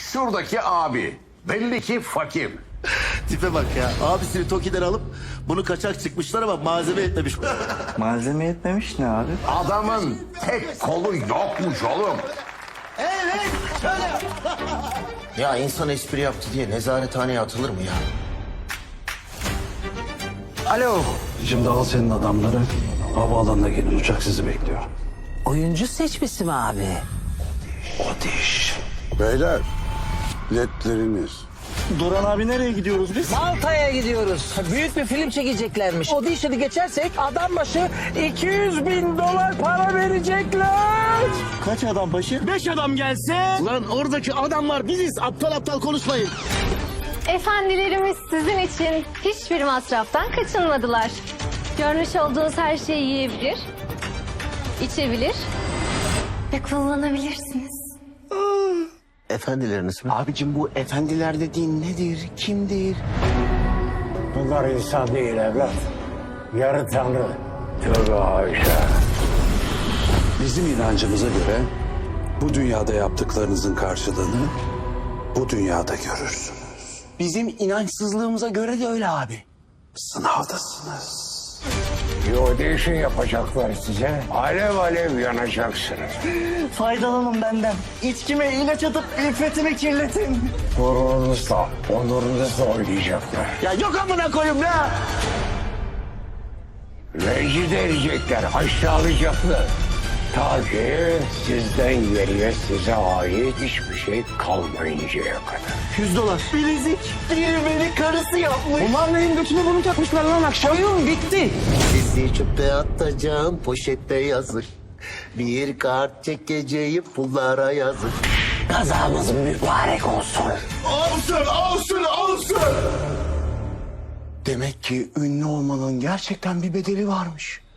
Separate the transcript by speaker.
Speaker 1: Şuradaki abi belli ki fakir.
Speaker 2: Tipe bak ya. Abisini Toki'den alıp bunu kaçak çıkmışlar ama malzeme etmemiş.
Speaker 3: Malzeme yetmemiş ne abi?
Speaker 1: Adamın tek kolu yokmuş oğlum.
Speaker 2: Ya insan espri yaptı diye nezarethaneye atılır mı ya?
Speaker 3: Alo.
Speaker 4: Şimdi al senin adamları. Havaalanına gelin, uçak sizi bekliyor.
Speaker 5: Oyuncu seçmesi mi abi?
Speaker 4: O diş.
Speaker 6: Beyler, ledleriniz.
Speaker 3: Duran abi nereye gidiyoruz biz?
Speaker 5: Malta'ya gidiyoruz. Büyük bir film çekeceklermiş. Audition'ı geçersek adam başı 200.000 dolar para verecekler.
Speaker 3: Kaç adam başı? 5 adam gelse. Lan oradaki adamlar biziz. Aptal aptal konuşmayın.
Speaker 7: Efendilerimiz sizin için hiçbir masraftan kaçınmadılar. Görmüş olduğunuz her şeyi yiyebilir, içebilir ve kullanabilirsiniz.
Speaker 2: Efendileriniz mi? Abicim bu efendiler dediğin nedir? Kimdir?
Speaker 8: Bunlar insan değil evlat. Yarı tanrı. Tövbe haşa.
Speaker 4: Bizim inancımıza göre bu dünyada yaptıklarınızın karşılığını bu dünyada görürsünüz.
Speaker 2: Bizim inançsızlığımıza göre de öyle abi.
Speaker 4: Sınavdasınız.
Speaker 8: Bir audition yapacaklar size. Alev alev yanacaksınız.
Speaker 3: Faydalanın benden. İçkime ilaç atıp iffetimi kirletin.
Speaker 8: Gururunuzla, onurunuzla oynayacaklar.
Speaker 3: Ya yok amına koyayım ya.
Speaker 8: Rencide edecekler, aşağılayacaklar. Ta ki sizden geriye size ait hiçbir şey kalmayıncaya kadar.
Speaker 3: $100. Bilezik. Biri beni karısı yapmış.
Speaker 5: Bunlar neyin götüne bunu takmışlar lan akşam? Oyun bitti.
Speaker 2: Sizi çöpe atacağım poşette yazık. Bir kart çekeceğim pullara yazık.
Speaker 5: Kazamız mübarek olsun.
Speaker 2: Demek ki ünlü olmanın gerçekten bir bedeli varmış.